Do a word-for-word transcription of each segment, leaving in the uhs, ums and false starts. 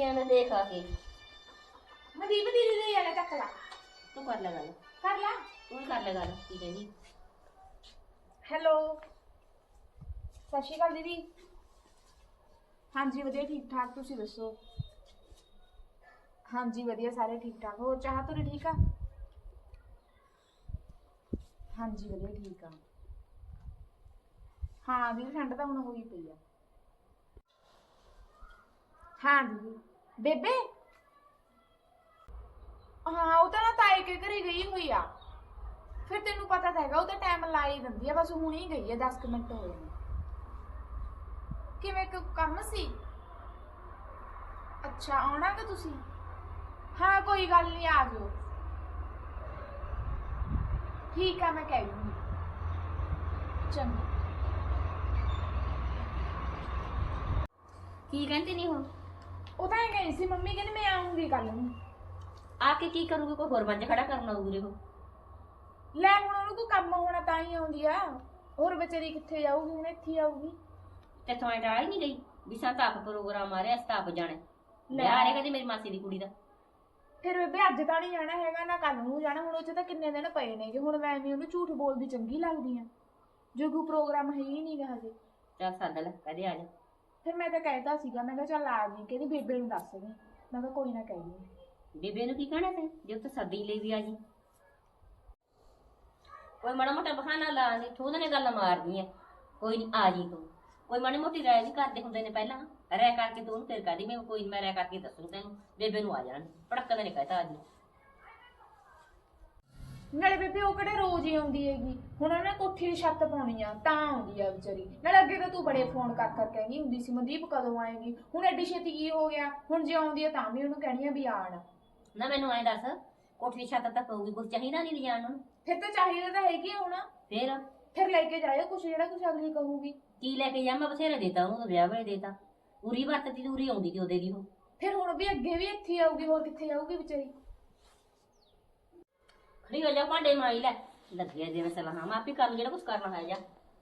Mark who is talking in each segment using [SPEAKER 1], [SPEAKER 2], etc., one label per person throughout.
[SPEAKER 1] ਗਿਆ ਨਾ ਦੇਖ ਆ ਕੇ
[SPEAKER 2] ਮਦੀਪ ਦੀਦੀ ਦੇ ਜਾਣਾ ਚੱਕ ਲਾ
[SPEAKER 1] ਤੂੰ ਕਰ ਲੈ ਗੱਲ
[SPEAKER 2] ਕਰ ਲਾ
[SPEAKER 1] ਤੂੰ ਹੀ ਕਰ ਲੈ ਗੱਲ ਕੀ ਕਹਿੰਦੀ
[SPEAKER 2] ਹੈਲੋ ਸਤਿ ਸ਼੍ਰੀ ਅਕਾਲ ਦੀਦੀ ਹਾਂਜੀ ਵਧੀਆ ਠੀਕ ਠਾਕ ਤੁਸੀਂ ਦੱਸੋ ਹਾਂਜੀ ਵਧੀਆ ਸਾਰੇ ਠੀਕ ਠਾਕ ਹੋਰ ਚਾਹ ਤੁਰੇ ਠੀਕ ਆ ਹਾਂਜੀ ਵਧੀਆ ਠੀਕ ਆ ਹਾਂ ਦੀਦੀ ਠੰਡ ਤਾਂ ਹੁਣ ਹੋਈ ਪਈ ਆ ਹਾਂ ਦੀਦੀ ਬੇਬੇ ਹਾਂ ਉਹ ਤਾਂ ਨਾ ਤਾਏ ਕੇ ਘਰੇ ਗਈ ਹੋਈ ਆ ਫਿਰ ਤੈਨੂੰ ਪਤਾ ਤਾਂ ਹੈਗਾ ਉਹ ਤਾਂ ਟਾਈਮ ਲਾ ਹੀ ਦਿੰਦੀ ਆ ਬਸ ਹੁਣ ਹੀ ਗਈ ਆ ਦਸ ਕੁ ਮਿੰਟ ਹੋਏ ਨੇ ਕਿਵੇਂ ਕੋਈ ਕੰਮ ਸੀ ਅੱਛਾ ਆਉਣਾ ਕਿ ਤੁਸੀਂ ਹਾਂ ਕੋਈ ਗੱਲ ਨਹੀਂ ਆ ਜਾਓ ਠੀਕ ਆ ਮੈਂ ਕਹਿ ਦੂੰਗੀ ਚੰਗਾ
[SPEAKER 1] ਕੀ ਕਹਿੰਦੀ ਨਹੀਂ ਹੁਣ
[SPEAKER 2] ਉਹ ਤਾਂ ਇਹ ਗਈ ਸੀ ਮੰਮੀ ਕਹਿੰਦੀ ਮੈਂ ਆਉਂਗੀ ਕੱਲ ਨੂੰ
[SPEAKER 1] ਆ ਕੇ ਕੀ ਕਰੂਗੀ ਕੋਈ ਹੋਰ ਬੰਜ ਖੜਾ ਕਰਨਾ ਉਰੇ ਉਹ
[SPEAKER 2] ਲੈ ਹੁਣ ਉਹਨੂੰ ਕੋਈ ਕੰਮ ਹੋਣਾ ਤਾਂ ਹੀ ਆਉਂਦੀ ਆ ਹੋਰ ਵਿਚਾਰੀ ਕਿੱਥੇ ਜਾਊਗੀ ਹੁਣ ਇੱਥੇ ਆਊਗੀ
[SPEAKER 1] ਤੇ ਥੋੜਾ ਟਾਲ ਹੀ ਨਹੀਂ ਗਈ ਵੀ ਸਾਂ ਤਾਂ ਆਪ ਪ੍ਰੋਗਰਾਮ ਆ ਰਿਹਾ ਅਸੀਂ ਤਾਂ ਆਪ ਜਾਣਾ ਲੈ ਆ ਰਿਹਾ ਕਦੇ ਮੇਰੀ ਮਾਸੀ ਦੀ ਕੁੜੀ ਦਾ
[SPEAKER 2] ਫਿਰ ਬੇਬੇ ਅੱਜ ਤਾਂ ਨਹੀਂ ਜਾਣਾ ਹੈਗਾ ਨਾ ਕੱਲ ਨੂੰ ਜਾਣਾ ਹੁਣ ਉਹ ਚ ਤਾਂ ਕਿੰਨੇ ਦਿਨ ਪਏ ਨੇ ਕਿ ਹੁਣ ਮੈਂ ਵੀ ਉਹਨੂੰ ਝੂਠ ਬੋਲਦੀ ਚੰਗੀ ਲੱਗਦੀ ਆ ਜੋ ਕੋਈ ਪ੍ਰੋਗਰਾਮ ਹੈ ਹੀ ਨਹੀਂਗਾ ਹਜੇ
[SPEAKER 1] ਚੱਲ ਸੱਦ ਲੈ ਕਦੇ ਆ ਜਾ
[SPEAKER 2] ਫਿਰ ਮੈਂ ਤਾਂ ਕਹਿਤਾ ਸੀਗਾ ਮੈਂ ਕਿਹਾ ਚੱਲ ਆ ਜੀ ਕਹਿੰਦੀ ਬੇਬੇ ਨੂੰ ਦੱਸ ਦੇ ਮੈਂ ਕਿਹਾ ਕੋਈ ਨਾ ਕਹਿ ਦੂੰ
[SPEAKER 1] ਬੇਬੇ ਨੂੰ ਕੀ ਕਹਿਣਾ ਤੇ ਜੇ ਤਾਂ ਸੱਦੀ ਲਈ ਵੀ ਆ ਜੀ ਕੋਈ ਮਾੜਾ ਮੋਟਾ ਬਹਾਨਾ ਲਾ ਨਹੀਂ ਥੋੜਾ ਨੇ ਗੱਲ ਮਾਰਦੀ ਆ ਕੋਈ ਨਹੀਂ ਆ ਜੀ ਤੂੰ ਕੋਈ ਮਾੜੀ ਮੋਟੀ ਰਾਇ ਵੀ ਕਰਦੇ ਹੁੰਦੇ ਨੇ ਪਹਿਲਾਂ ਰਹਿ ਕਰਕੇ ਤੂੰ ਉਹਨੂੰ ਫਿਰ ਕਹਦੀ ਮੈਂ ਕੋਈ ਮੈਂ ਰਹਿ ਕਰਕੇ ਦੱਸੂ ਤੈਨੂੰ ਬੇਬੇ ਨੂੰ ਆ ਜਾਣ ਪੜਕ ਨੇ ਕਹਿਤਾ ਆ ਜੀ
[SPEAKER 2] ਨਾਲੇ ਬੇਬੇ ਉਹ ਕਿਹੜੇ ਰੋਜ਼ ਹੀ ਆਉਂਦੀ ਹੈਗੀ ਹੁਣ ਉਹਨੇ ਕੋਠੀ ਦੀ ਛੱਤ ਪਾਉਣੀ ਆ ਤਾਂ ਆਉਂਦੀ ਆ ਵਿਚਾਰੀ ਨਾਲੇ ਅੱਗੇ ਤਾਂ ਤੂੰ ਬੜੇ ਫੋਨ ਕਰ ਕਰ ਕਹਿੰਦੀ ਹੁੰਦੀ ਸੀ ਮਨਦੀਪ ਕਦੋਂ ਆਏਗੀ ਹੁਣ ਐਡੀ ਛੇਤੀ ਕੀ ਹੋ ਗਿਆ ਹੁਣ ਜੇ ਆਉਂਦੀ ਆ ਤਾਂ ਵੀ ਉਹਨੂੰ ਕਹਿਣੀ ਆ ਵੀ ਆਣ
[SPEAKER 1] ਨਾ ਮੈਨੂੰ ਐਂ ਦੱਸ ਕੋਠੀ ਛੱਤ ਤੱਕ ਪਊਗੀ ਕੁਝ ਚਾਹੀਦਾ ਨਹੀਂ ਲਿਜਾਣ ਨੂੰ
[SPEAKER 2] ਫਿਰ ਤਾਂ ਚਾਹੀਦਾ ਤਾਂ ਹੈਗੀ ਹੁਣ
[SPEAKER 1] ਫਿਰ
[SPEAKER 2] ਫਿਰ ਲੈ ਕੇ ਜਾਇਓ ਕੁਛ ਜਿਹੜਾ ਕੁਛ ਅਗਲੀ ਕਹੂਗੀ
[SPEAKER 1] ਕੀ ਲੈ ਕੇ ਜਾ ਮੈਂ ਬਥੇਰੇ ਦੇਤਾ ਉਹਨੂੰ ਵਿਆਹ ਵੇਲੇ ਦੇਤਾ ਉਰੀ ਵਰਤਦੀ ਉਰੀ ਆਉਂਦੀ ਤੇ ਉਹਦੇ ਦੀ ਉਹ
[SPEAKER 2] ਫਿਰ ਹੁਣ ਵੀ ਅੱਗੇ ਵੀ ਇੱਥੇ ਆਊਗੀ ਹੋਰ ਕਿੱਥੇ ਜਾਊਗੀ ਵਿਚਾਰੀ
[SPEAKER 1] ਖੜੀ ਹੋ ਜਾ ਭਾਂਡੇ ਮਾਈ ਲੈ ਲੱਗਿਆ ਜਿਵੇਂ ਸਲਾਹਾਂ ਮੈਂ ਆਪੇ ਕਰ ਲੂ ਜਿਹੜਾ ਕੁਝ ਕਰਨਾ ਹੈ ਜਾ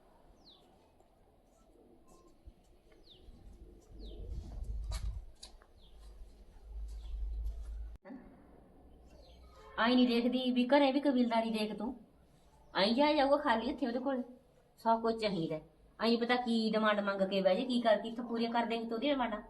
[SPEAKER 1] ਆਈ ਨਹੀਂ ਦੇਖਦੀ ਵੀ ਘਰੇ ਵੀ ਕਬੀਲਦਾਰੀ ਦੇਖ ਤੂੰ ਆਈ ਜਾ ਜਾਊਗਾ ਖਾਲੀ ਇੱਥੇ ਉਹਦੇ ਕੋਲ ਸਭ ਕੁਝ ਚਾਹੀਦਾ ਆਈ ਪਤਾ ਕੀ ਡਿਮਾਂਡ ਮੰਗ ਕੇ ਬਹਿ ਜੇ ਕੀ ਕਰ ਕਿੱਥੋਂ ਪੂਰੀਆਂ ਕਰ ਦੇਂਗੇ ਤੂੰ ਉਹਦੀਆਂ ਡਿਮਾਂਡਾਂ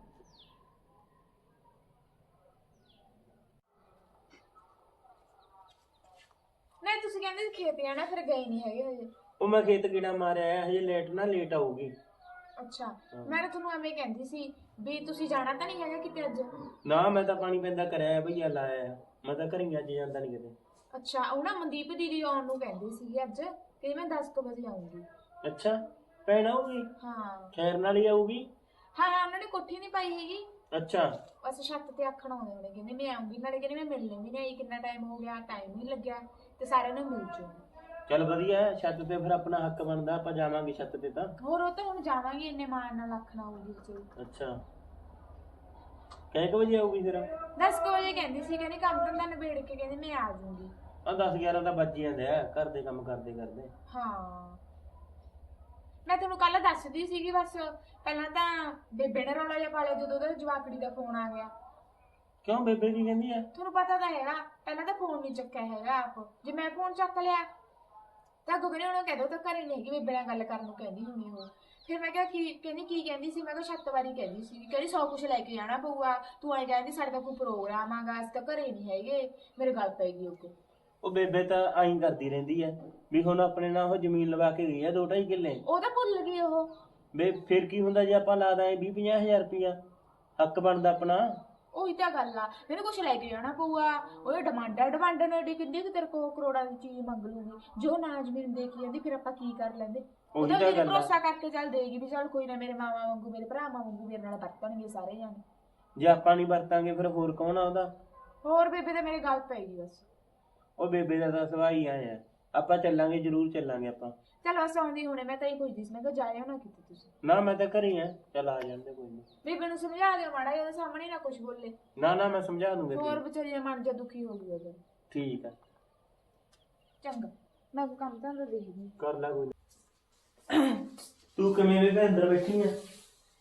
[SPEAKER 2] ਨਹੀਂ ਤੁਸੀਂ ਕਹਿੰਦੇ ਸੀ ਖੇਤ ਜਾਣਾ ਫਿਰ ਗਏ ਨਹੀਂ ਹੈਗੇ ਹਜੇ
[SPEAKER 3] ਉਹ ਮੈਂ ਖੇਤ ਕੀੜਾ ਮਾਰਿਆ ਆ ਹਜੇ ਲੇਟ ਨਾ ਲੇਟ ਆਊਗੀ
[SPEAKER 2] ਅੱਛਾ ਮੈਂ ਤਾਂ ਤੁਹਾਨੂੰ ਐਵੇਂ ਕਹਿੰਦੀ ਸੀ ਵੀ ਤੁਸੀਂ ਜਾਣਾ ਤਾਂ ਨਹੀਂ ਹੈਗਾ ਕਿਤੇ ਅੱਜ
[SPEAKER 3] ਨਾ ਮੈਂ ਤਾਂ ਪਾਣੀ ਪੈਂਦਾ ਕਰਿਆ ਭਈਆ ਲਾਇਆ ਆ ਮੈਂ ਤਾਂ ਘਰੀ ਅੱਜ ਜਾਂਦਾ ਨਹੀਂ ਕਿਤੇ
[SPEAKER 2] ਅੱਛਾ ਉਹ ਨਾ ਮਨਦੀਪ ਦੀਦੀ ਆਉਣ ਨੂੰ ਕਹਿੰਦੀ ਸੀ ਅੱਜ ਕਿ ਮੈਂ ਦਸ ਕੁ ਵਜੇ ਆਉਂਗੀ
[SPEAKER 3] ਅੱਛਾ ਭੈਣ ਆਊਗੀ
[SPEAKER 2] ਹਾਂ
[SPEAKER 3] ਖੈਰ ਨਾਲ ਹੀ ਆਊਗੀ
[SPEAKER 2] ਹਾਂ ਉਹਨਾਂ ਨੇ ਕੋਠੀ ਨਹੀਂ ਪਾਈ ਹੈਗੀ
[SPEAKER 3] ਅੱਛਾ
[SPEAKER 2] ਬਸ ਛੱਤ ਤੇ ਆਖਣ ਆਉਂਦੇ ਹੋਣੇ ਕਹਿੰਦੇ ਮੈਂ ਆਉਂਗੀ ਨਾਲੇ ਕਹਿੰਦੇ ਮੈਂ ਮਿਲਣੀ ਵੀ ਨਹੀਂ ਆਈ ਕਿੰਨਾ ਟਾਈਮ ਹੋ ਗਿਆ ਟਾਈਮ ਨਹੀਂ ਲੱਗਿਆ ਤੇ ਸਾਰਿਆਂ ਨੂੰ ਮਿਲ ਜੂ
[SPEAKER 3] ਚੱਲ ਵਧੀਆ ਹੈ, ਛੱਤ ਤੇ ਫਿਰ ਆਪਣਾ ਹੱਕ ਬਣਦਾ ਆਪਾਂ ਜਾਵਾਂਗੇ ਛੱਤ ਤੇ ਤਾਂ
[SPEAKER 2] ਹੋਰ ਉਹ ਤਾਂ ਹੁਣ ਜਾਵਾਂਗੇ ਇੰਨੇ ਮਾਣ ਨਾਲ ਆਖਣਾ ਆਉਂਗੀ ਵਿਚਾਰੀ
[SPEAKER 3] ਅੱਛਾ ਕਿੰਨੇ ਕੁ ਵਜੇ ਆਊਗੀ ਫਿਰ
[SPEAKER 2] ਦਸ ਕੁ ਵਜੇ ਕਹਿੰਦੀ ਸੀ ਕਹਿੰਦੀ ਕੰਮ ਧੰਦਾ ਨਿਬੇੜ ਕੇ ਕਹਿੰਦੀ ਮੈਂ ਆ ਜਾਊਂਗੀ
[SPEAKER 3] ਆ ਦਸ ਗਿਆਰਾਂ ਤਾਂ ਵੱਜ ਜਾਂਦੇ ਆ ਘਰ ਦੇ ਕੰਮ ਕਰਦੇ ਕਰਦੇ
[SPEAKER 2] ਹਾਂ ਮੈਂ ਤੁਹਾਨੂੰ ਕੱਲ ਦੱਸਦੀ ਸੀਗੀ ਬਸ ਪਹਿਲਾਂ ਤਾਂ ਬੇਬੇ ਨੇ ਰੌਲਾ ਜਿਹਾ ਪਾ ਲਿਆ ਜਦੋਂ ਉਹਦੇ ਜਵਾਕੜੀ ਦਾ ਫੋਨ ਆ ਗਿਆ
[SPEAKER 3] ਕਿਉਂ ਬੇਬੇ ਕੀ ਕਹਿੰਦੀ ਆ
[SPEAKER 2] ਤੁਹਾਨੂੰ ਪਤਾ ਤਾਂ ਹੈਗਾ ਪਹਿਲਾਂ ਤਾਂ ਫੋਨ ਨਹੀਂ ਚੱਕਿਆ ਹੈਗਾ ਆਪ ਜੇ ਮੈਂ ਫੋਨ ਚੱਕ ਲਿਆ ਤਾਂ ਗੁਗਨੇ ਉਹਨੂੰ ਕਹਿ ਦੋ ਤਾਂ ਘਰੇ ਨਹੀਂ ਹੈਗੀ ਬੇਬੇ ਨਾਲ ਗੱਲ ਕਰਨ ਨੂੰ ਕਹਿੰਦੀ ਹੋਣੀ ਉਹ ਫਿਰ ਮੈਂ ਕਿਹਾ ਕੀ ਕਹਿੰਦੀ ਕੀ ਕਹਿੰਦੀ ਸੀ ਮੈਂ ਕਿਹਾ ਛੱਤ ਵਾਰੀ ਕਹਿੰਦੀ ਸੀ ਕਹਿੰਦੀ ਸੌ ਕੁਛ ਲੈ ਕੇ ਜਾਣਾ ਪਊਗਾ ਤੂੰ ਐਂ ਕਹਿੰਦੀ ਸਾਡੇ ਤਾਂ ਕੋਈ ਪ੍ਰੋਗਰਾਮ ਆਗਾ ਅਸੀਂ ਤਾਂ ਘਰੇ ਨਹੀਂ ਹੈਗੇ ਮੇਰੇ ਗੱਲ ਪੈ ਗਈ ਉੱਤੇ
[SPEAKER 3] ਉਹ ਬੇਬੇ ਤਾਂ ਆਈ ਕਰਦੀ ਰਹਿੰਦੀ ਆ ਵੀ ਹੁਣ ਆਪਣੇ ਨਾਲ ਉਹ ਜ਼ਮੀਨ ਲਵਾ ਕੇ ਗਈ ਆ ਦੋ ਢਾਈ ਕਿੱਲੇ
[SPEAKER 2] ਉਹ ਤਾਂ ਭੁੱਲ ਗਈ ਉਹ
[SPEAKER 3] ਬੇ ਫਿਰ ਕੀ ਹੁੰਦਾ ਜੇ ਆਪਾਂ ਲਾ ਦਾਂ ਵੀਹ ਪੰਜਾਹ ਹਜ਼ਾਰ ਰੁਪਇਆ ਹੱਕ ਬਣਦਾ ਆਪਣਾ
[SPEAKER 2] ਉਹੀ ਤਾਂ ਗੱਲ ਆ ਮੈਨੂੰ ਕੁਛ ਲੈ ਕੇ ਜਾਣਾ ਪਊਗਾ ਉਹ ਡਿਮਾਂਡਾਂ ਡਿਮਾਂਡ ਨੇ ਏਡੀ ਕਿੰਨੀ ਕੁ ਤੇਰੇ ਕੋਲ ਕਰੋੜਾਂ ਦੀ ਚੀਜ਼ ਮੰਗ ਲੂਗੀ ਜੋ ਨਾ ਜ਼ਮੀਨ ਦੇ ਕੇ ਜਾਂਦੀ ਫਿਰ ਆਪਾਂ ਕੀ ਕਰ ਲੈਂਦੇ ਉਹਦਾ
[SPEAKER 3] ਤਾਂ
[SPEAKER 2] ਵੀ
[SPEAKER 3] ਗੱਲ ਆ।
[SPEAKER 2] ਭਰੋਸਾ ਕਰਕੇ ਚੱਲ ਦੇਗੀ ਵੀ ਚੱਲ ਕੋਈ ਨਾ ਮੇਰੇ ਮਾਵਾ ਵਾਂਗੂ ਮੇਰੇ ਭਰਾਵਾਂ ਵਾਂਗੂ ਮੇਰੇ ਨਾਲ ਵਰਤਣਗੇ ਸਾਰੇ ਜਾਣੇ
[SPEAKER 3] ਜੇ ਆਪਾਂ ਨਹੀਂ ਵਰਤਾਂਗੇ ਫਿਰ ਹੋਰ ਕੌਣ ਆ ਉਹਦਾ
[SPEAKER 2] ਹੋਰ ਬੇਬੇ ਤਾਂ ਮੇਰੇ ਗੱਲ ਪੈ ਗਈ ਬਸ
[SPEAKER 3] ਉਹ ਬੇਬੇ ਦਾ ਤਾਂ ਸੁਭਾਅ ਹੀ ਆਇਆ ਆਪਾਂ ਚੱਲਾਂਗੇ ਜ਼ਰੂਰ ਚੱਲਾਂਗੇ ਆਪਾਂ
[SPEAKER 2] ਚੱਲ ਬਸ ਆਉਂਦੀ ਹੁਣੇ ਮੈਂ ਤਾਂ ਹੀ ਪੁੱਛਦੀ ਸੀ ਮੈਂ ਕਿਹਾ ਜਾਇਓ ਨਾ ਕਿਤੇ ਤੁਸੀਂ
[SPEAKER 3] ਨਾ ਮੈਂ ਤਾਂ ਘਰੇ ਆ ਚੱਲ ਆ ਜਾਂਦੇ ਕੋਈ ਨਹੀਂ
[SPEAKER 2] ਬੇਬੇ ਨੂੰ ਸਮਝਾ ਦਿਓ ਮਾੜਾ ਜਿਹਾ ਉਹਦੇ ਸਾਹਮਣੇ ਨਾ ਕੁਝ ਬੋਲੇ
[SPEAKER 3] ਨਾ ਨਾ ਮੈਂ ਸਮਝਾ ਦੂੰਗਾ
[SPEAKER 2] ਹੋਰ
[SPEAKER 3] ਤੈਨੂੰ।
[SPEAKER 2] ਵਿਚਾਰੀ ਦਾ ਮਨ ਜਿਹਾ ਦੁਖੀ ਹੋ ਗਿਆ ਉਹਦਾ
[SPEAKER 3] ਠੀਕ ਆ
[SPEAKER 2] ਚੰਗਾ ਮੈਂ ਕੋਈ ਕੰਮ ਤਾਂ ਦੇਖਦੀ
[SPEAKER 3] ਕਰ ਲੈ ਕੋਈ ਨੀ। ਤੂੰ ਕਿਵੇਂ ਵੇ ਅੰਦਰ ਬੈਠੀ ਆ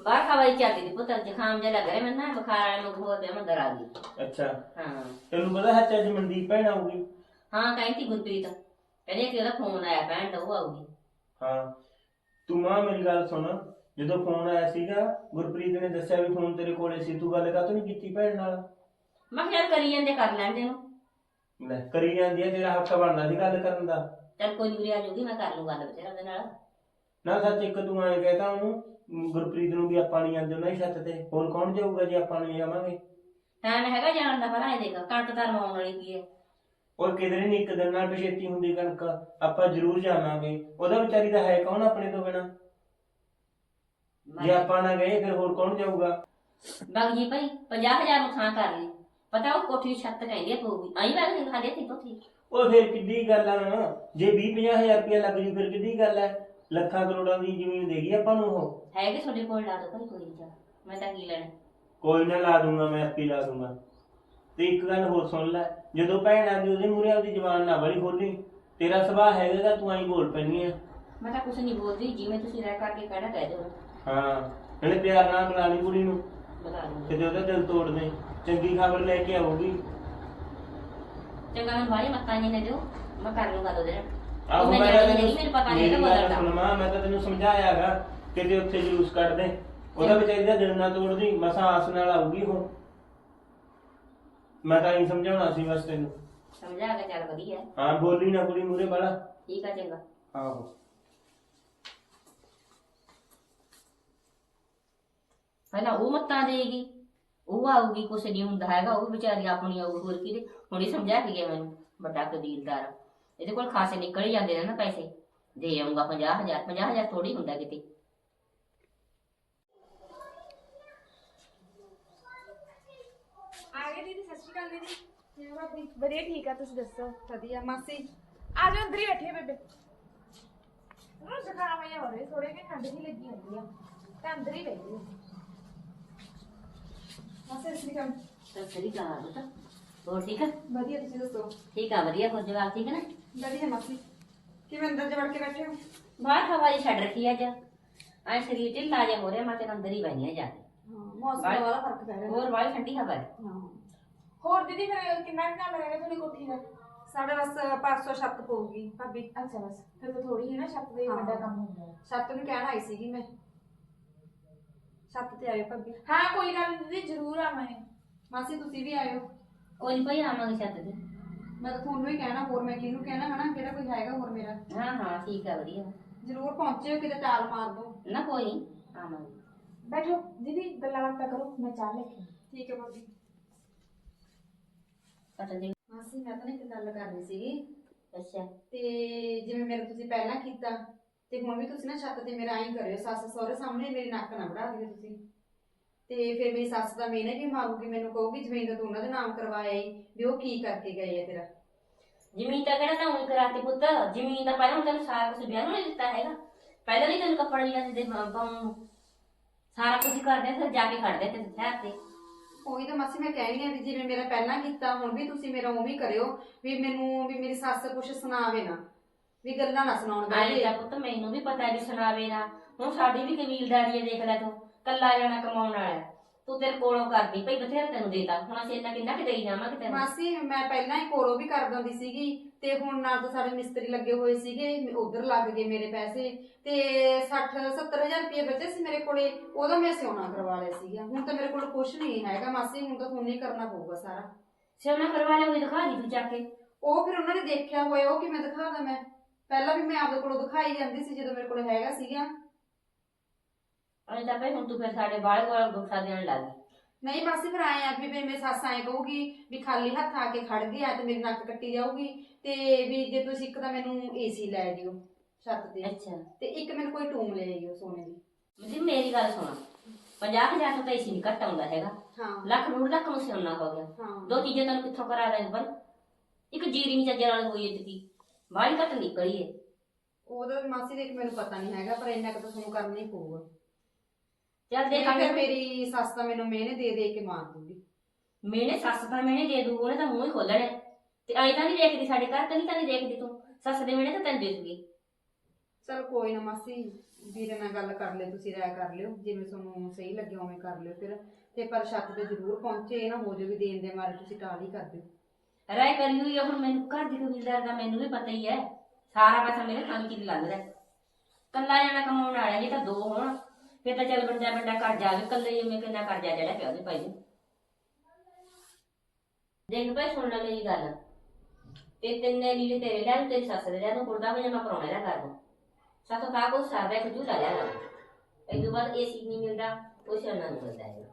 [SPEAKER 1] ਬਾਹਰ ਖਵਾਈ ਚੱਲਦੀ ਦੀ ਪੁੱਤ ਜ਼ੁਕਾਮ ਜਿਹਾ ਲੱਗ ਰਿਹਾ ਮੈਨੂੰ ਨਾ ਬੁਖਾਰ ਵਾਲੇ ਨੂੰ ਹੋ ਗਿਆ ਮੈਂ ਡਰ ਆ ਗਈ।
[SPEAKER 3] ਅੱਛਾ
[SPEAKER 1] ਹਾਂ
[SPEAKER 3] ਤੈਨੂੰ ਪਤਾ ਸੱਚ ਅੱਜ ਮਨਦੀਪ ਭੈਣ ਆਊਗੀ?
[SPEAKER 1] ਹਾਂ ਕਹਿੰਦੀ ਗੁਰਪ੍ਰੀਤ ਕਹਿੰਦੀ ਕਿ ਉਹਦਾ ਫੋਨ ਆਇਆ ਭੈਣ ਦਾ ਉਹ ਆਊਗੀ।
[SPEAKER 3] ਹਾਂ ਤੂੰ ਮਾਂ ਮੇਰੀ ਗੱਲ ਸੁਣ, ਜਦੋਂ ਫੋਨ ਆਇਆ ਸੀਗਾ ਗੁਰਪ੍ਰੀਤ ਨੇ ਦੱਸਿਆ ਵੀ ਫੋਨ ਤੇਰੇ ਕੋਲੇ ਸੀ, ਤੂੰ ਗੱਲ ਕਾਹਤੋਂ ਨਹੀਂ ਕੀਤੀ ਭੈਣ ਨਾਲ?
[SPEAKER 1] ਮੈਂ ਕਿਹਾ ਯਾਰ ਕਰੀ ਜਾਂਦੇ ਕਰ ਲੈਂਦੇ ਨੂੰ।
[SPEAKER 3] ਲੈ ਕਰੀ ਜਾਂਦੀ ਆ, ਤੇਰਾ ਹੱਕ ਬਣਦਾ ਸੀ ਗੱਲ ਕਰਨ ਦਾ।
[SPEAKER 1] ਚੱਲ ਕੋਈ ਨਹੀਂ ਆ ਜਾਊਗੀ ਮੈਂ ਕਰ ਲੂ ਗੱਲ ਬਥੇਰਾ ਉਹਦੇ ਨਾਲ।
[SPEAKER 3] ਨਾ ਸੱਚ ਇੱਕ ਤੂੰ ਐਂ ਕਹਿਤਾ ਉਹਨੂੰ ਗੁਰਪ੍ਰੀਤ ਨੂੰ ਵੀ ਆਪਾਂ ਨਹੀਂ ਜਾਂਦੇ ਉਹਨਾਂ ਦੀ ਛੱਤ ਤੇ, ਹੋਰ ਕੌਣ ਜਾਊਗਾ ਜੇ ਆਪਾਂ ਨਹੀਂ ਜਾਵਾਂਗੇ?
[SPEAKER 1] ਟਾਈਮ ਹੈਗਾ ਜਾਣ ਦਾ ਭਲਾ ਇਹ ਦੇਖ ਕਣਕ ਤਾਂ ਰਮਾਉਣ ਵਾਲੀ ਕੀ ਹੈ।
[SPEAKER 3] ਉਹ ਕਿਧਰੇ ਨਹੀਂ ਇੱਕ ਦਿਨ ਨਾਲ ਪਛੇਤੀ ਹੁੰਦੀ ਕਣਕ, ਆਪਾਂ ਜ਼ਰੂਰ ਜਾਵਾਂਗੇ। ਉਹਦਾ ਵਿਚਾਰੀ ਦਾ ਹੈ ਕੌਣ ਆਪਣੇ ਤੋਂ ਬਿਨਾ? ਜੇ ਆਪਾਂ ਨਾ ਗਏ ਫਿਰ ਹੋਰ ਕੌਣ ਜਾਊਗਾ?
[SPEAKER 1] ਬਗ ਜੀ ਭਾਈ ਪੰਜਾਹ ਹਜ਼ਾਰ ਨੂੰ ਥਾਂ ਕਰ ਲਈ ਪਤਾ ਉਹ ਕੋਠੀ ਦੀ ਛੱਤ ਕਹਿੰਦੀ ਪਊਗੀ ਆਈ ਬਗ ਨਹੀਂ ਖਾਦੇ ਤੀ ਕੋਠੀ।
[SPEAKER 3] ਉਹ ਫਿਰ ਕਿੱਡੀ ਗੱਲ ਆ ਨਾ, ਜੇ ਵੀਹ ਪੰਜਾਹ ਹਜ਼ਾਰ ਰੁਪਇਆ ਲੱਗ ਜੂ ਫਿਰ ਕਿੱਡੀ ਗੱਲ ਹੈ? ਲੱਖਾਂ ਕਰੋੜਾਂ ਦੀ ਜ਼ਮੀਨ ਦੇਗੀ ਆਪਾਂ ਨੂੰ ਉਹ।
[SPEAKER 1] ਹੈਗੇ ਤੁਹਾਡੇ ਕੋਲ ਲਾ ਦੋ ਭਾਈ ਕੋਈ ਨਹੀਂ ਜਾ ਮੈਂ ਤਾਂ ਕੀ ਲੈਣਾ।
[SPEAKER 3] ਕੋਈ ਨਾ ਲਾ ਦੂੰਗਾ ਮੈਂ, ਆਪੇ ਲਾ ਦੂੰਗਾ। ਤੇ ਇੱਕ ਗੱਲ ਹੋਰ ਸੁਣ ਲੈ, ਜਦੋਂ ਭੈਣ ਆ ਗਈ ਉਹਦੇ ਮੂਹਰੇ ਆਪਦੀ ਜ਼ਬਾਨ ਨਾ ਬੜੀ ਖੋਲੀ। ਤੇਰਾ ਸੁਭਾਅ ਹੈਗਾ ਤਾਂ ਤੂੰ ਆਈ ਬੋਲ ਪੈਣੀ ਆ।
[SPEAKER 1] ਮੈਂ ਤਾਂ ਕੁਛ ਨਹੀਂ ਬੋਲਦੀ ਜਿਵੇਂ ਤੁਸੀਂ ਰਹਿ ਕਰਕੇ ਕਹਿਣਾ ਕਹਿ ਦਿਓ।
[SPEAKER 3] ਹਾਂ ਇਹਨੇ ਪਿਆਰ ਨਾਲ ਬੁਲਾ ਲਈ ਕੁੜੀ ਨੂੰ,
[SPEAKER 1] ਬਤਾ ਦੂੰਗੀ
[SPEAKER 3] ਕਿਤੇ ਉਹਦਾ ਦਿਲ ਤੋੜ ਦੇ। ਚੰਗੀ ਖਬਰ ਲੈ ਕੇ ਆਊਗੀ।
[SPEAKER 1] ਚੰਗਾ ਮੈਂ ਬਾਹਲੀ ਮੱਤਾਂ ਨਹੀਂ ਨੇ ਦਿਓ ਮੈਂ ਕਰ ਲੂੰਗਾ ਉਹਦੇ ਨਾਲ।
[SPEAKER 3] ਆਹੋ
[SPEAKER 1] ਮੈਂ
[SPEAKER 3] ਮੈਂ
[SPEAKER 1] ਜਾਣੀ
[SPEAKER 3] ਤੈਨੂੰ
[SPEAKER 1] ਨਹੀਂ ਮੈਨੂੰ ਪਤਾ ਨਹੀਂ
[SPEAKER 3] ਮੇਰੀ
[SPEAKER 1] ਇਹਦਾ
[SPEAKER 3] ਗੱਲ
[SPEAKER 1] ਬਦਲਦਾ।
[SPEAKER 3] ਸੁਣ ਮਾਂ, ਮੈਂ ਤਾਂ ਤੈਨੂੰ ਸਮਝਾਇਆਗਾ ਕਿਤੇ ਉੱਥੇ ਜਲੂਸ ਕੱਢ ਦੇ। ਉਹਦਾ ਵਿਚਾਰੀ ਦਾ ਦਿਲ ਨਾ ਤੋੜਦੀ, ਮਸਾਂ ਆਸ ਨਾਲ ਆਊਗੀ ਉਹ। ਮੈਂ ਤਾਂ ਇਹ ਸਮਝਾਉਣਾ ਸੀ ਬਸ ਤੈਨੂੰ।
[SPEAKER 1] ਸਮਝਾ ਕੇ ਚੱਲ ਵਧੀਆ
[SPEAKER 3] ਹਾਂ ਬੋਲੀ ਨਾ ਕੁੜੀ ਮੂਹਰੇ ਵਾਲਾ।
[SPEAKER 1] ਠੀਕ ਆ ਚੰਗਾ।
[SPEAKER 3] ਆਹੋ
[SPEAKER 1] ਪਹਿਲਾਂ ਉਹ ਮੱਤਾਂ ਦੇਗੀ ਉਹ ਆਊਗੀ ਕੁਛ ਨਹੀਂ ਹੁੰਦਾ ਹੈਗਾ ਉਹ ਵਿਚਾਰੀ ਆਪਣੀ ਆਊਗੀ ਹੋਰ ਕਿਹਦੇ ਹੁਣੇ ਸਮਝਾ ਕੇ ਗਿਆ ਮੈਨੂੰ ਵੱਡਾ ਕਬੀਲਦਾਰ ਇਹਦੇ ਕੋਲ ਖਾਸੇ ਨਿਕਲ ਹੀ ਜਾਂਦੇ ਨੇ ਨਾ ਪੈਸੇ ਦੇ ਆਊਗਾ ਪੰਜਾਹ ਹਜ਼ਾਰ ਪੰਜਾਹ ਹਜ਼ਾਰ ਥੋੜੀ ਹੁੰਦਾ ਕਿਤੇ।
[SPEAKER 2] ਆ ਗਏ ਦੀਦੀ ਸਤਿ ਸ਼੍ਰੀ ਅਕਾਲ ਦੀਦੀ। ਕਿਵੇਂ ਭਾਬੀ? ਵਧੀਆ ਠੀਕ ਆ ਤੁਸੀਂ ਦੱਸੋ?
[SPEAKER 4] ਵਧੀਆ ਮਾਸੀ।
[SPEAKER 2] ਆ ਜਾਓ ਅੰਦਰ ਹੀ ਬੈਠੇ ਬੇਬੇ। ਉਹ ਜ਼ੁਕਾਮ ਆਇਆ ਹੋ ਰਿਹਾ ਥੋੜੇ ਕਿ ਠੰਡ ਜਿਹੀ ਲੱਗੀ ਹੁੰਦੀ ਆ ਤਾਂ ਅੰਦਰ ਹੀ ਬੈਠੀ ਆ।
[SPEAKER 4] ਮਾਸੀ ਸ੍ਰੀ ਅਕਾਲ।
[SPEAKER 1] ਤਾਂ ਸਹੀ ਕਹਾ ਬਤਾ ਹੋਰ ਠੀਕ ਆ?
[SPEAKER 4] ਵਧੀਆ ਤੁਸੀਂ ਦੱਸੋ?
[SPEAKER 1] ਠੀਕ ਆ ਵਧੀਆ ਹੋਰ ਜਵਾਬ ਠੀਕ ਹੈ ਨਾ?
[SPEAKER 4] ਵਧੀਆ ਮਾਸੀ। ਕਿਵੇਂ ਅੰਦਰ ਜਾ ਵੜ ਕੇ ਬੈਠੇ ਹੋ?
[SPEAKER 1] ਬਾਹਰ ਹਵਾ ਜੀ ਛੱਡ ਰੱਖੀ ਅੱਜ ਐ ਸਰੀਰ ਢਿੱਲਾ ਜਿਹਾ ਹੋ ਰਿਹਾ ਮੈਂ ਤੇ ਅੰਦਰ ਹੀ ਬੈਣੀ ਆ ਜਾ ਕੇ।
[SPEAKER 4] ਹਾਂ ਮੌਸਮ ਦਾ ਬੜਾ ਫਰਕ ਪੈ ਰਿਹਾ।
[SPEAKER 1] ਹੋਰ ਬਾਹਰ ਠੰਡੀ ਹਵਾ ਹੈ।
[SPEAKER 4] ਹਾਂ
[SPEAKER 2] ਹੋਰ ਦੀਦੀ ਫਿਰ ਕਿੰਨਾ ਕੁ ਕੰਮ ਰਹਿ ਗਿਆ ਤੁਹਾਡੀ ਕੋਠੀ ਦਾ?
[SPEAKER 4] ਸਾਡੇ ਬਸ ਪਰਸੋਂ ਛੱਤ ਪਊਗੀ ਭਾਬੀ।
[SPEAKER 2] ਅੱਛਾ ਬਸ ਫਿਰ ਤਾਂ ਥੋੜੀ ਹੈ ਨਾ ਛੱਤ ਦਾ ਹੀ
[SPEAKER 4] ਹਾਂ।
[SPEAKER 2] ਵੱਡਾ ਕੰਮ ਹੁੰਦਾ ਹੈ।
[SPEAKER 4] ਛੱਤ ਨੂੰ ਕਹਿਣ ਆਈ ਸੀਗੀ ਮੈਂ। ਛੱਤ ਤੇ ਆਇਓ ਭਾਬੀ।
[SPEAKER 2] ਹਾਂ ਕੋਈ ਗੱਲ ਨਹੀਂ ਦੀਦੀ ਜ਼ਰੂਰ ਆਵਾਂਗੇ।
[SPEAKER 4] ਮਾਸੀ ਤੁਸੀਂ ਵੀ ਆਇਓ।
[SPEAKER 1] ਕੋਈ ਨੀ ਭਾਈ ਆਵਾਂਗੇ ਛੱਤ ਤੇ।
[SPEAKER 4] ਮੈਂ ਤਾਂ ਤੁਹਾਨੂੰ ਹੀ ਕਹਿਣਾ, ਹੋਰ ਮੈਂ ਕਿਹਨੂੰ ਕਹਿਣਾ ਹਨਾ, ਕਿਹੜਾ ਕੋਈ ਹੈਗਾ ਹੋਰ ਮੇਰਾ।
[SPEAKER 1] ਹਾਂ ਹਾਂ ਠੀਕ ਆ ਵਧੀਆ।
[SPEAKER 4] ਜ਼ਰੂਰ ਪਹੁੰਚਿਓ, ਕਿਤੇ ਟਾਲ ਮਾਰ ਦੋ।
[SPEAKER 1] ਨਾ ਕੋਈ ਨੀ ਆਵਾਂਗੇ।
[SPEAKER 2] ਬੈਠੋ ਦੀਦੀ ਗੱਲਾਂ ਬਾਤਾਂ ਕਰੋ ਮੈਂ ਚਾਹ ਲੈ ਕੇ।
[SPEAKER 4] ਠੀਕ ਹੈ ਭਾਬੀ।
[SPEAKER 1] ਕੱਟ ਦੇ।
[SPEAKER 4] ਮਾਸੀ ਮੈਂ ਤਾਂ ਨਾ ਇੱਕ ਗੱਲ ਕਰਨੀ ਸੀਗੀ।
[SPEAKER 1] ਅੱਛਾ
[SPEAKER 4] ਤੇ ਜਿਵੇਂ ਮੇਰਾ ਤੁਸੀਂ ਪਹਿਲਾਂ ਕੀਤਾ ਤੇ ਹੁਣ ਵੀ ਤੁਸੀਂ ਨਾ ਛੱਤ ਤੇ ਮੇਰਾ ਐਂ ਕਰਿਓ, ਸੱਸ ਸਹੁਰੇ ਸਾਹਮਣੇ ਮੇਰੀ ਨੱਕ ਨਾ ਵੜਾ ਦਿਓ ਤੁਸੀਂ। ਤੇ ਫਿਰ ਮੇਰੀ ਸੱਸ ਦਾ ਮੇਨੇ ਵੀ ਮਾਰੂਗੀ, ਮੈਨੂੰ ਕਹੂਗੀ ਜ਼ਮੀਨ ਤਾਂ ਤੂੰ ਉਹਨਾਂ ਦੇ ਨਾਮ ਕਰਵਾਇਆ ਈ, ਵੀ ਉਹ ਕੀ ਕਰਕੇ ਗਏ ਆ ਤੇਰਾ।
[SPEAKER 1] ਜ਼ਮੀਨ ਤਾਂ ਕਿਹੜਾ ਤਾਂ ਉਹੀ ਕਰਾਤੀ ਪੁੱਤ, ਜ਼ਮੀਨ ਤਾਂ ਪਹਿਲਾਂ ਤੈਨੂੰ ਸਾਰਾ ਕੁਝ ਵਿਆਹ ਨੂੰ ਨਹੀਂ ਦਿੱਤਾ ਹੈਗਾ। ਪਹਿਲਾਂ ਨਹੀਂ ਤੈਨੂੰ ਕੱਪੜੇ ਲਿਆ ਦਿੰਦੇ ਪਾਉਣ ਨੂੰ, ਸਾਰਾ ਕੁਝ ਕਰਦੇ ਫਿਰ ਜਾ ਕੇ ਖੜਦੇ ਤੇ ਸ਼ਹਿਰ ਤੇ।
[SPEAKER 4] ਉਹੀ ਤਾਂ ਮਾਸੀ ਮੈਂ ਕਹਿ ਰਹੀ ਹਾਂ ਵੀ ਜਿਵੇਂ ਮੇਰਾ ਪਹਿਲਾਂ ਕੀਤਾ ਹੁਣ ਵੀ ਤੁਸੀਂ ਮੇਰਾ ਉਵੇਂ ਹੀ ਕਰਿਓ, ਵੀ ਮੈਨੂੰ ਵੀ ਮੇਰੀ ਸੱਸ ਕੁਛ ਸੁਣਾਵੇ ਨਾ, ਵੀ ਗੱਲਾਂ ਨਾ ਸੁਣਾਉਣ
[SPEAKER 1] ਆਏ
[SPEAKER 4] ਬੈਠੇ।
[SPEAKER 1] ਤਾਂ ਪੁੱਤ ਮੈਨੂੰ ਵੀ ਪਤਾ ਵੀ ਸੁਣਾਵੇ ਨਾ, ਹੁਣ ਸਾਡੀ ਵੀ ਕਬੀਲਦਾਰੀ ਹੈ ਦੇਖ ਲੈ ਤੂੰ, ਕੱਲਾ ਜਾਣਾ ਕਮਾਉਣ ਵਾਲਾ ਤੂੰ ਤੇਰੇ ਕੋਲੋਂ ਕਰਦੀ ਭਈ ਬਥੇਰਾ ਤੈਨੂੰ ਦੇਤਾ, ਹੁਣ ਅਸੀਂ ਇੰਨਾ ਕਿੰਨਾ ਕਿ ਦੇਈ ਜਾਵਾਂਗੇ ਤੈਨੂੰ।
[SPEAKER 4] ਮਾਸੀ ਮੈਂ ਪਹਿਲਾਂ ਹੀ ਕੋਲੋਂ ਵੀ ਕਰ ਦਿੰਦੀ ਸੀਗੀ ਤੇ ਹੁਣ ਨਾਲ ਤਾਂ ਸਾਡੇ ਮਿਸਤਰੀ ਲੱਗੇ ਹੋਏ ਸੀਗੇ, ਉਧਰ ਲੱਗ ਗਏ ਮੇਰੇ ਪੈਸੇ ਤੇ ਸੱਠ ਸੱਤਰ ਹਜ਼ਾਰ ਰੁਪਏ ਬਚੇ ਸੀ ਮੇਰੇ ਕੋਲੇ, ਉਹਦਾ ਮੈਂ ਸਿਉਣਾ ਕਰਵਾ ਲਿਆ ਸੀਗਾ। ਹੁਣ ਤਾਂ ਮੇਰੇ ਕੋਲ ਕੁਛ ਨਹੀਂ ਹੈਗਾ ਮਾਸੀ, ਹੁਣ ਤਾਂ ਤੁਹਾਨੂੰ ਹੀ ਕਰਨਾ ਪਊਗਾ ਸਾਰਾ।
[SPEAKER 1] ਸਿਉਣਾ ਕਰਵਾ ਲਿਆ, ਉਹ ਦਿਖਾ ਦੀ ਤੂੰ ਚੱਕ ਕੇ।
[SPEAKER 4] ਉਹ ਫਿਰ ਉਹਨਾਂ ਨੇ ਦੇਖਿਆ ਹੋਇਆ, ਉਹ ਕਿਵੇਂ ਦਿਖਾਦਾ ਮੈਂ, ਪਹਿਲਾਂ ਵੀ ਮੈਂ ਆਪਦੇ ਕੋਲੋਂ ਦਿਖਾਈ ਜਾਂਦੀ ਸੀ ਜਦੋਂ ਮੇਰੇ ਕੋਲ ਹੈਗਾ ਸੀਗਾ।
[SPEAKER 1] ਅਜੇ ਤਾਂ ਭਈ ਹੁਣ ਤੂੰ ਫਿਰ ਸਾਡੇ ਬਾਹਰ ਕੋਲ ਗੁੱਸਾ ਦੇਣ ਲੱਗ ਗਈ।
[SPEAKER 4] ਨਹੀਂ ਮਾਸੀ ਫਿਰ ਆਏ ਆ ਵੀ ਮੇਰੀ ਸੱਸ ਆਏ ਕਹੂਗੀ ਵੀ ਖਾਲੀ ਹੱਥ ਆ ਕੇ ਖੜ ਗਿਆ ਤੇ ਮੇਰੀ ਨੱਕ ਕੱਟੀ ਜਾਊਗੀ, ਤੇ ਵੀ ਜੇ ਤੁਸੀਂ ਇੱਕ ਤਾਂ ਮੈਨੂੰ ਏਸੀ ਲੈ ਦਿਓ ਛੱਤ ਤੇ,
[SPEAKER 1] ਅੱਛਾ
[SPEAKER 4] ਤੇ ਇੱਕ ਮੈਨੂੰ ਕੋਈ ਟੂਮ ਲੈ ਆਇਓ ਸੋਨੇ ਦੀ।
[SPEAKER 1] ਜੀ ਮੇਰੀ ਗੱਲ ਸੁਣ, ਪੰਜਾਹ ਹਜ਼ਾਰ ਤੋਂ ਤਾਂ ਏਸੀ ਨਹੀਂ ਘੱਟ ਆਉਂਦਾ ਹੈਗਾ,
[SPEAKER 4] ਹਾਂ
[SPEAKER 1] ਲੱਖ ਡੂਢ ਲੱਖ ਨੂੰ ਸਿਉਣਾ ਹੋ ਗਿਆ।
[SPEAKER 4] ਹਾਂ
[SPEAKER 1] ਦੋ ਚੀਜ਼ਾਂ ਤੈਨੂੰ ਕਿੱਥੋਂ ਕਰਾ ਦਾਂਗੇ ਬਲ, ਇੱਕ ਜੀਰੀ ਨਹੀਂ ਚੱਜਣ ਵਾਲੀ ਹੋਈ ਇਤਕੀ ਬਾਹਲੀ ਘੱਟ ਨਿਕਲੀ ਏ।
[SPEAKER 4] ਉਹਦਾ ਮਾਸੀ ਦੇਖ ਮੈਨੂੰ ਪਤਾ ਨਹੀਂ ਹੈਗਾ, ਪਰ ਇੰਨਾ ਕੁ ਤਾਂ ਤੁਹਾਨੂੰ ਕਰਨਾ ਹੀ ਪਊਗਾ।
[SPEAKER 1] ਚੱਲ
[SPEAKER 4] ਨਹੀਂ
[SPEAKER 1] ਦੇਖਾਂਗੇ।
[SPEAKER 4] ਫਿਰ ਮੇਰੀ ਸੱਸ ਤਾਂ ਮੈਨੂੰ ਮਿਹਨੇ ਦੇ ਦੇ ਕੇ ਮਾਰ ਦੂਗੀ।
[SPEAKER 1] ਮੈਨੇ ਸੱਸ ਤਾਂ ਮੈਨੇ ਦੇ ਦੂ, ਉਹਨੇ ਤਾਂ ਮੂੰਹ ਹੀ ਖੋਲਣਾ ਤੇ ਐਂ ਤਾਂ ਨਹੀਂ ਦੇਖਦੀ ਸਾਡੇ ਘਰ, ਕਦੀ ਤਾਂ ਨਹੀਂ ਦੇਖਦੀ ਤੂੰ, ਸੱਸ ਦੇ ਮੈਨੇ ਤਾਂ ਤੈਨੂੰ ਦੇਖਦੀ।
[SPEAKER 4] ਚਲ ਕੋਈ ਨਾ ਮਾਸੀ, ਵੀਰੇ ਨਾਲ ਗੱਲ ਕਰ ਲਿਓ, ਤੁਸੀਂ ਰਾਇ ਕਰ ਲਿਓ, ਜਿਵੇਂ ਤੁਹਾਨੂੰ ਸਹੀ ਲੱਗੇ ਉਵੇਂ ਕਰ ਲਿਓ ਫਿਰ। ਤੇ ਪਰ ਛੱਤ ਤੇ ਜ਼ਰੂਰ ਪਹੁੰਚੇ, ਇਹ ਨਾ ਹੋ ਜਾਵੇ ਵੀ ਦੇਣ ਦੇ ਮਾਰੇ ਤੁਸੀਂ ਟਾਲ ਹੀ ਕਰ ਦਿਓ।
[SPEAKER 1] ਰਾਇ ਕਰੀ ਹੋਈ ਆ, ਹੁਣ ਮੈਨੂੰ ਘਰ ਦੀ ਕਬੀਲਦਾਰ ਦਾ ਮੈਨੂੰ ਵੀ ਪਤਾ ਹੀ ਹੈ, ਸਾਰਾ ਪੈਸਾ ਮੇਰੇ ਖਾਣ ਕੀ ਲੱਗਦਾ। ਕੱਲਾ ਜਾਣਾ ਕਮਾਉਣ ਵਾਲਾ, ਜੇ ਤਾਂ ਦੋ ਹੋਣ ਫਿਰ ਤਾਂ ਚੱਲ ਬੰਦਾ ਬੰਦਾ ਕਰ ਜਾਵੇ, ਕੱਲੇ ਜਿਵੇਂ ਕਿੰਨਾ ਕਰਜ਼ਾ ਜਿਹੜਾ ਪਿਆ ਉਹਦੇ ਭਾਈ ਨੂੰ। ਦੇਖ ਭਾਈ ਸੁਣ ਲੈ ਮੇਰੀ ਗੱਲ, ਤੇ ਤਿੰਨੇ ਲੀੜੇ ਤੇਰੇ ਲੈ, ਤੇਰੀ ਸੱਸ ਦੇ ਲੈ, ਨੂੰ ਕੁੜਤਾ ਪਜਾਮਾ ਪਰਾਉਣਾ ਲੈ ਕਰ ਦੂੰ। ਸਾਥੋਂ ਕਾ ਕੋ ਸਰਦਾ ਇੱਕ ਝੂਲਾ ਲਿਆ ਕਰ, ਇਹ ਤੋਂ ਬਾਅਦ ਏਸੀ ਨਹੀਂ ਮਿਲਦਾ, ਉਹ ਸਿਆਣਾ ਨਹੀਂ ਮਿਲਦਾ ਹੈ।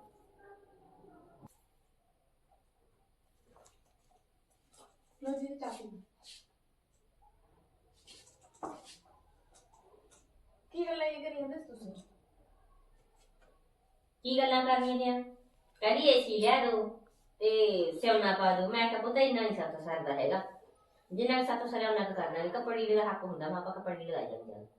[SPEAKER 2] ਲੋ ਜੀ ਚਾਕੂ ਕੀ ਗੱਲ ਇਹ ਕਰੀ ਜਾਂਦੇ ਸੀ ਤੁਸੀਂ?
[SPEAKER 1] ਕੀ ਗੱਲਾਂ ਕਰਨੀਆਂ ਨੇ? ਕਹਿੰਦੀ ਏਸੀ ਲਿਆ ਦੋ ਤੇ ਸਿਉਣਾ ਪਾ ਦੋ। ਮੈਂ ਕਿਹਾ ਪੁੱਤ ਇੰਨਾ ਨਹੀਂ ਸਾਥੋਂ ਸਰਦਾ ਹੈਗਾ, ਜਿੰਨਾ ਸਾਥੋਂ ਸਰਿਆ ਉਹਨਾਂ ਕਰਨਾ ਨਹੀਂ। ਕੱਪੜੇ ਦਾ ਹੱਕ ਹੁੰਦਾ, ਮਾਪਾ ਕੱਪੜੇ ਲਗਾਈ ਜਾਂਦੇ ਆ।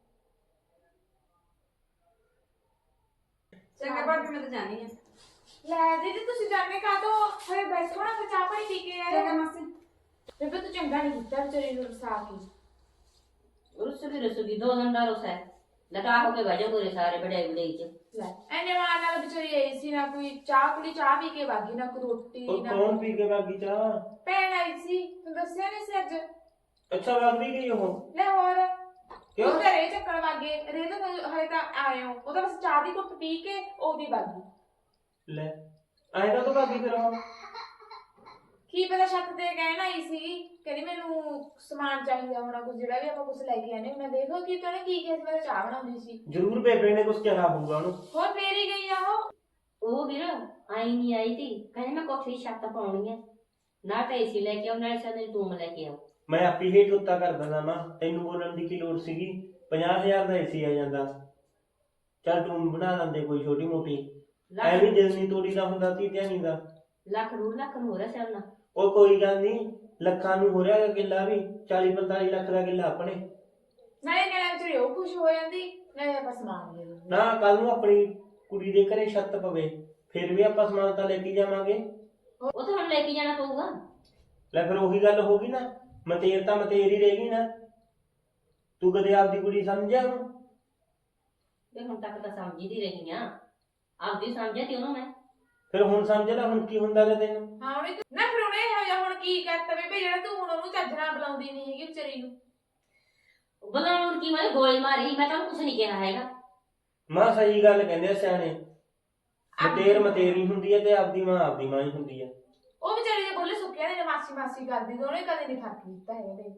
[SPEAKER 4] ਚੰਗਾ ਭਾਬੀ, ਮੈਂ ਤਾਂ ਜਾਣੀ ਆ।
[SPEAKER 2] ਲੈ ਦੀਦੀ ਤੁਸੀਂ ਜਾਣੇ ਕਾ ਤੋਂ ਹਰੇ ਬੈਠੋ ਨਾ, ਫਿਰ ਚਾਹ ਪਾਣੀ ਪੀ ਕੇ
[SPEAKER 4] ਚੰਗਾ
[SPEAKER 2] ਆਇਓ।
[SPEAKER 4] ਮਾਸੀ।
[SPEAKER 2] ਬੇਬੇ ਤੂੰ ਚੰਗਾ ਨਹੀਂ ਕੀਤਾ ਵਿਚਾਰੀ ਨੂੰ ਰਸਾ ਕੇ।
[SPEAKER 1] ਰੁੱਸ ਵੀ ਰੁੱਸੂਗੀ, ਦੋ ਦਿਨ ਦਾ ਰੁੱਸ ਹੈ, ਲਟਾ ਹੋ ਕੇ ਵਜੋ ਪੂਰੇ ਸਾਰੇ ਬੜੇ ਬੜੇ ਚ।
[SPEAKER 2] ਲੈ ਐਨੇ ਮਾਰ ਨਾਲ ਵਿਚਾਰੀ ਆਈ ਸੀ, ਨਾ ਕੋਈ ਚਾਹ ਕੁੜੀ ਚਾਹ ਪੀ ਕੇ ਵਾਗੀ, ਨਾ ਕੋਈ ਰੋਟੀ
[SPEAKER 3] ਉਹ
[SPEAKER 2] ਨਾ
[SPEAKER 3] ਕੌਣ ਪੀ ਕੇ ਬਾਗੀ ਚਾਹ?
[SPEAKER 2] ਭੈਣ ਆਈ ਸੀ, ਤੂੰ ਦੱਸਿਆ ਨਹੀਂ ਸੀ ਅੱਜ?
[SPEAKER 3] ਅੱਛਾ ਬਾਗ ਵੀ ਗਈ ਉਹ?
[SPEAKER 2] ਲੈ ਹੋਰ
[SPEAKER 3] ਕਿਉਂ?
[SPEAKER 2] ਉਹ ਘਰੇ ਚੱਕਣ ਵਾਗੇ ਰੇ ਤਾਂ ਹਲੇ ਤਾਂ ਆਏ ਹੋ, ਉਹ ਤਾਂ ਬਸ ਚਾਹ ਦੀ ਘੁੱਟ ਪੀ ਕੇ ਉਹਦੀ ਵਾਗੀ।
[SPEAKER 3] ਲੈ ਆਏਗਾ ਤਾਂ ਬਾਗੀ ਫਿਰ ਉਹ?
[SPEAKER 2] ਕੀ ਪਤਾ ਛੱਤ ਤੇ ਕਹਿਣ ਆਈ ਸੀ, ਕਹਿੰਦੀ ਮੈਨੂੰ ਸਮਾਨ ਚਾਹੀਦਾ ਹੋਣਾ ਕੁਝ, ਜਿਹੜਾ ਵੀ ਆਪਾਂ ਕੁਝ ਲੈ ਕੇ ਆਨੇ। ਮੈਂ ਦੇਖੋ ਕੀ ਕਹਿੰਦੇ ਕੀ ਕਿਹਾ ਸੀ, ਮੈਂ ਤਾਂ ਚਾਹ ਬਣਾਉਂਦੀ ਸੀ।
[SPEAKER 3] ਜ਼ਰੂਰ ਬੇਬੇ ਨੇ ਕੁਝ ਕਿਹਾ ਹੋਊਗਾ ਉਹਨੂੰ।
[SPEAKER 2] ਹੋਰ ਫੇਰ ਹੀ ਗਈ ਆ ਉਹ।
[SPEAKER 1] ਉਹ ਵੀਰ ਆਈ ਨਹੀਂ ਆਈ ਤੀ, ਕਹਿੰਦੀ ਮੈਂ ਕੋਠੀ ਦੀ ਛੱਤ ਪਾਉਣੀ ਹੈ, ਨਾ ਤਾਂ ਏਸੀ ਲੈ ਕੇ ਆਉ, ਨਾਲੇ ਸਾਡੇ ਟੂਮ ਲੈ ਕੇ ਆਉ।
[SPEAKER 3] ਮੈਂ ਆਪੀ ਹੇਠ ਉੱਤਾ ਕਰ ਦਿੰਦਾ ਮਾਂ, ਤੈਨੂੰ ਬੋਲਣ ਦੀ ਕੀ ਲੋੜ ਸੀਗੀ? ਪੰਜਾਹ ਹਜ਼ਾਰ ਦਾ ਏਸੀ ਆ ਜਾਂਦਾ, ਚੱਲ ਤੂੰ ਬਣਾ ਦਿੰਦੇ ਕੋਈ ਛੋਟੀ ਮੋਟੀ। ਐਵੇਂ ਦਿਲ ਨਹੀਂ ਤੋੜੀ ਦਾ ਹੁੰਦਾ ਤੀ ਧਿਆਨੀ ਦਾ।
[SPEAKER 1] ਲੱਖ ਡੂਢ ਲੱਖ ਨੂੰ ਹੋ ਰਿਹਾ ਸਿਆਣਾ।
[SPEAKER 3] ਉਹ ਕੋਈ ਗੱਲ ਨਹੀਂ, ਲੱਖਾਂ ਨੂੰ ਹੋ ਰਿਹਾ ਕਿੱਲਾ ਵੀ, ਚਾਲੀ ਪੰਤਾਲੀ ਲੱਖ ਦਾ ਕਿੱਲਾ ਆਪਣੇ।
[SPEAKER 2] ਨਾਲੇ ਨਾਲੇ ਵਿਚਾਰੀ ਉਹ ਖੁਸ਼ ਹੋ ਜਾਂਦੀ, ਨਾਲੇ ਆਪਾਂ ਸਮਾਨ ਲੈ ਲੈਂਦੇ।
[SPEAKER 3] ਨਾ ਕੱਲ ਨੂੰ ਆਪਣੀ ਕੁੜੀ ਦੇ ਘਰੇ ਛੱਤ ਪਵੇ, ਫਿਰ ਵੀ ਆਪਾਂ ਸਮਾਨ ਤਾਂ ਲੈ ਕੇ ਜਾਵਾਂਗੇ।
[SPEAKER 1] ਉਹ ਤਾਂ ਹੁਣ ਲੈ ਕੇ ਜਾਣਾ ਪਊਗਾ।
[SPEAKER 3] ਲੈ ਫਿਰ ਉਹੀ ਗੱਲ ਹੋ ਗਈ ਨਾ, ਮਤੇਰ ਤਾਂ ਮਤੇਰ ਹੀ ਰਹੇਗੀ ਨਾ। ਤੂੰ ਕਦੇ ਆਪਦੀ ਕੁੜੀ ਸਮਝਿਆ ਉਹਨੂੰ?
[SPEAKER 1] ਤੇ ਹੁਣ ਤੱਕ ਤਾਂ ਸਮਝਦੀ ਰਹੀ ਆ, ਆਪਦੀ ਸਮਝਿਆ ਤੇ ਉਹਨੂੰ ਮੈਂ।
[SPEAKER 3] ਫਿਰ ਹੁਣ ਸਮਝ ਲੈ ਹੁਣ ਕੀ ਹੁੰਦਾ ਗਾ ਤੈਨੂੰ।
[SPEAKER 2] ਹਾਂ ਉਹਨੇ ਨਾ ਫਿਰ ਉਹਨੇ ਇਹੋ ਜਿਹਾ ਹੁਣ ਕੀ ਕਰਤਾ ਬੇਬੇ, ਜਿਹੜਾ ਤੂੰ ਹੁਣ ਉਹਨੂੰ ਚੱਜ ਨਾਲ ਬੁਲਾਉਂਦੀ ਨਹੀਂ ਹੈਗੀ ਵਿਚਾਰੀ ਨੂੰ।
[SPEAKER 1] ਬੁਲਾਉਣ ਕੀ, ਮੈਂ ਗੋਲੀ ਮਾਰੀ, ਮੈਂ ਤਾਂ ਕੁਝ ਨਹੀਂ ਕਿਹਾ ਹੈਗਾ।
[SPEAKER 3] ਮਾਂ ਸਹੀ ਗੱਲ ਕਹਿੰਦੇ ਆ ਸਿਆਣੇ, ਮਤੇਰ ਮਤੇਰੀ ਹੁੰਦੀ ਹੈ ਤੇ ਆਪਦੀ ਮਾਂ ਆਪਦੀ ਮਾਂ ਹੀ ਹੁੰਦੀ ਹੈ।
[SPEAKER 2] ਉਹ ਵਿਚਾਰੀ ਦੇ ਬੋਲੇ ਸੁੱਕਿਆ ਨੇ ਮਾਸੀ ਮਾਸੀ ਕਰਦੀ, ਦੋਨੇ ਕਦੇ ਨਹੀਂ ਫਰਕ ਕੀਤਾ ਹੈਗਾ ਦੇ।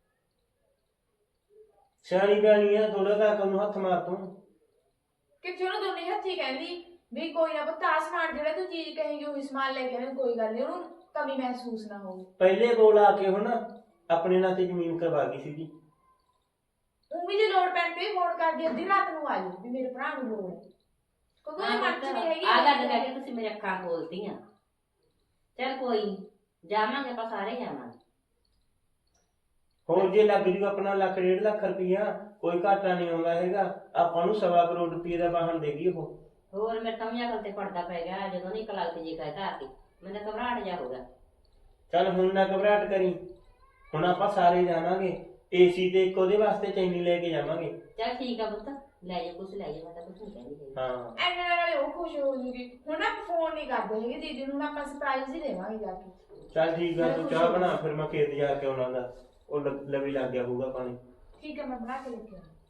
[SPEAKER 3] ਸਿਆਣੀ ਬਿਆਣੀ ਆ, ਥੋੜਾ ਤਾਂ ਅਕਲ ਨੂੰ ਹੱਥ ਮਾਰ ਤੂੰ।
[SPEAKER 2] ਕਿੱਥੇ ਉਹਨੂੰ ਦੋਨੇ ਹੱਥੀ ਕਹਿੰਦੀ ਵੀ ਕੋਈ ਨਾ ਪੁੱਤ ਆਹ ਸਮਾਨ ਜਿਹੜਾ ਤੂੰ ਚੀਜ਼ ਕਹੇਂਗੀ ਉਹੀ ਸਮਾਨ ਲੈ ਕੇ ਆਵੇਂ, ਕੋਈ ਗੱਲ ਨਹੀਂ, ਉਹਨੂੰ ਕਮੀ ਮਹਿਸੂਸ ਨਾ ਹੋਵੇ।
[SPEAKER 3] ਪਹਿਲੇ ਕੋਲ ਆ ਕੇ ਹੁਣ ਆਪਣੇ ਨਾਂ ਤੇ ਜ਼ਮੀਨ ਕਰਵਾ ਗਈ ਸੀਗੀ।
[SPEAKER 2] ਉਹ ਵੀ ਜੇ ਲੋੜ ਪੈਣ ਤੇ ਫੋਨ ਕਰਦੀ, ਅੱਧੀ ਰਾਤ ਨੂੰ ਆ ਜਾਊ ਵੀ ਮੇਰੇ ਭਰਾ ਨੂੰ ਲੋੜ ਹੈ, ਕਿਉਂਕਿ ਉਹਦੇ ਮਨ ਚ ਨਹੀਂ ਹੈਗੀ
[SPEAKER 1] ਆ ਗੱਲ ਕਹਿ ਕੇ ਤੁਸੀਂ ਮੇਰੇ ਅੱਖਾਂ ਖੋਲਤੀਆਂ। ਚੱਲ ਕੋਈ ਨੀ, ਜਾਵਾਂਗੇ ਆਪਾਂ ਸਾਰੇ ਜਾਵਾਂਗੇ।
[SPEAKER 3] ਹੋਰ ਜੇ ਲੱਗ ਜੂ ਆਪਣਾ ਲੱਖ ਡੇਢ ਲੱਖ ਰੁਪਈਆ, ਕੋਈ ਘਾਟਾ ਨਹੀਂ ਆਉਂਦਾ ਹੈਗਾ। ਆਪਾਂ ਨੂੰ ਸਵਾ ਕਰੋੜ ਰੁਪਏ ਦਾ ਵਾਹਨ ਦੇਗੀ ਉਹ।
[SPEAKER 1] ਹੋਰ ਮੇਰੇ ਤਾਂ ਵੀ ਅਕਲ ਤੇ ਪੜਦਾ ਪੈ ਗਿਆ, ਜਦੋਂ ਨਹੀਂ ਕਲਾਕ ਤੇ ਜੀ ਕਹਿਤਾ ਆ ਕੇ ਮੈਨੂੰ ਤਾਂ ਘਬਰਾਹਟ ਜਾ ਹੋ ਗਿਆ।
[SPEAKER 3] ਚੱਲ ਹੁਣ ਨਾ ਘਬਰਾਹਟ ਕਰੀ, ਹੁਣ ਆਪਾਂ ਸਾਰੇ ਜਾਵਾਂਗੇ ਏਸੀ ਤੇ ਇੱਕ ਉਹਦੇ ਵਾਸਤੇ ਚੈਨੀ ਲੈ ਕੇ ਜਾਵਾਂਗੇ।
[SPEAKER 1] ਚੱਲ ਠੀਕ ਆ ਪੁੱਤ, ਲੈ ਜਾ ਕੁਛ ਲੈ ਜਾ, ਮੈਂ ਤਾਂ ਕੁਛ ਨਹੀਂ ਕਹਿੰਦੀ ਹੈਗੀ।
[SPEAKER 3] ਹਾਂ
[SPEAKER 2] ਐਨੇ ਨਾਲੇ ਉਹ ਖੁਸ਼ ਹੋ ਜੂਗੀ। ਹੁਣ ਆਪਾਂ ਫੋਨ ਨਹੀਂ ਕਰਦੇ ਹੈਗੇ ਦੀਦੀ ਨੂੰ, ਹੁਣ ਆਪਾਂ ਸਰਪ੍ਰਾਈਜ਼ ਹੀ ਦੇਵਾਂਗੇ ਜਾ ਕੇ।
[SPEAKER 3] ਚੱਲ ਠੀਕ ਆ, ਤੂੰ ਚਾਹ ਬਣਾ, ਫਿਰ ਮੈਂ ਖੇਤ ਜਾ ਕੇ ਆਉਣਾ ਗਾ। ਉਹ ਲ- ਲਵੀ ਲੱਗ ਗਿਆ ਹੋਊਗਾ ਪਾਣੀ।
[SPEAKER 2] ਠੀਕ ਹੈ ਮੈਂ ਬਣਾ ਕੇ ਲੈ ਕੇ ਆਉਂਦੀ।